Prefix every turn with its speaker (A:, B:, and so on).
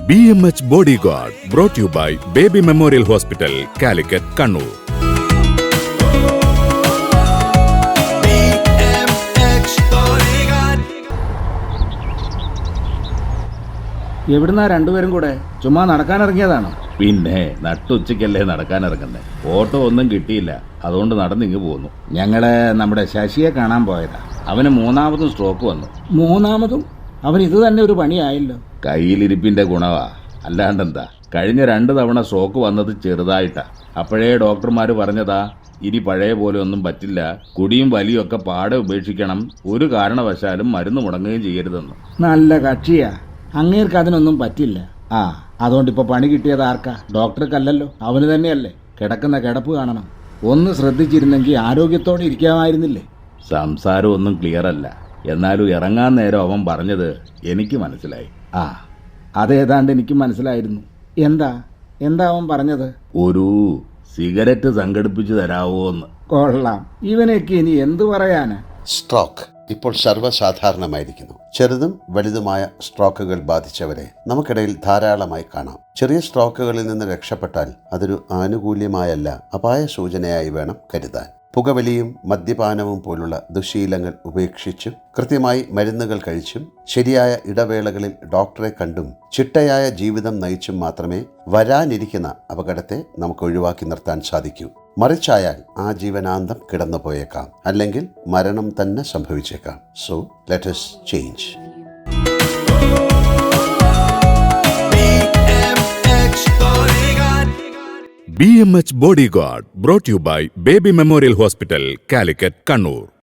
A: BMH Bodyguard brought to you by Baby Memorial Hospital, Calicut, Kannur.
B: എവിടുന്നാ രണ്ടുപേരും കൂടെ ചുമ്മാ നടക്കാനിറങ്ങിയതാണോ?
C: പിന്നെ നട്ടുച്ചയ്ക്കല്ലേ നടക്കാനിറങ്ങുന്നേ. ഓട്ടോ ഒന്നും കിട്ടിയില്ല, അതുകൊണ്ട് നടന്നിങ്ങ് പോന്നു.
B: ഞങ്ങള് നമ്മുടെ ശശിയെ കാണാൻ പോയതാ.
C: അവന് മൂന്നാമതും സ്ട്രോക്ക് വന്നു.
B: മൂന്നാമതും? അവൻ ഇത് തന്നെ ഒരു പണിയായല്ലോ.
C: കയ്യിലിരിപ്പിന്റെ ഗുണവാ, അല്ലാണ്ടെന്താ. കഴിഞ്ഞ 2 തവണ സ്ട്രോക്ക് വന്നത് ചെറുതായിട്ടാ. അപ്പോഴേ ഡോക്ടർമാര് പറഞ്ഞതാ, ഇനി പഴയ പോലെ ഒന്നും പറ്റില്ല, കുടിയും വലിയും ഒക്കെ പാടെ ഉപേക്ഷിക്കണം, ഒരു കാരണവശാലും മരുന്ന് മുടങ്ങുകയും ചെയ്യരുതെന്ന്.
B: നല്ല കക്ഷിയാ. അങ്ങേർക്ക് അതിനൊന്നും പറ്റില്ല. അതുകൊണ്ട് ഇപ്പൊ പണി കിട്ടിയത് ആർക്കാ? ഡോക്ടർക്കല്ലല്ലോ, അവന് തന്നെയല്ലേ. കിടക്കുന്ന കിടപ്പ് കാണണം. ഒന്ന് ശ്രദ്ധിച്ചിരുന്നെങ്കിൽ ആരോഗ്യത്തോടെ ഇരിക്കാമായിരുന്നില്ലേ?
C: സംസാരം ഒന്നും ക്ലിയർ അല്ല, എന്നാലും ഇറങ്ങാൻ നേരം അവൻ പറഞ്ഞത് എനിക്ക് മനസ്സിലായി.
B: അതേതാണ്ട് എനിക്കും മനസ്സിലായിരുന്നു. എന്താ അവൻ പറഞ്ഞത്?
C: ഒരു സിഗരറ്റ് സംഘടിപ്പിച്ചു തരാവോന്ന്.
B: കൊള്ളാം. ഇവനൊക്കെ ഇനി എന്തു പറയാനാ?
D: സ്ട്രോക്ക് ഇപ്പോൾ സർവ്വസാധാരണമായിരിക്കുന്നു. ചെറുതും വലുതുമായ സ്ട്രോക്കുകൾ ബാധിച്ചവരെ നമുക്കിടയിൽ ധാരാളമായി കാണാം. ചെറിയ സ്ട്രോക്കുകളിൽ നിന്ന് രക്ഷപ്പെട്ടാൽ അതൊരു ആനുകൂല്യമായല്ല, അപായ സൂചനയായി വേണം കരുതാൻ. പുകവലിയും മദ്യപാനവും പോലുള്ള ദുശീലങ്ങൾ ഉപേക്ഷിച്ചും കൃത്യമായി മരുന്നുകൾ കഴിച്ചും ശരിയായ ഇടവേളകളിൽ ഡോക്ടറെ കണ്ടും ചിട്ടയായ ജീവിതം നയിച്ചും മാത്രമേ വരാനിരിക്കുന്ന അപകടത്തെ നമുക്ക് ഒഴിവാക്കി നിർത്താൻ സാധിക്കൂ. മറിച്ചായാൽ ആ ജീവനാന്തം കിടന്നു പോയേക്കാം, അല്ലെങ്കിൽ മരണം തന്നെ സംഭവിച്ചേക്കാം. So let us change.
A: BMH Bodyguard brought to you by Baby Memorial Hospital, Calicut, Kannur.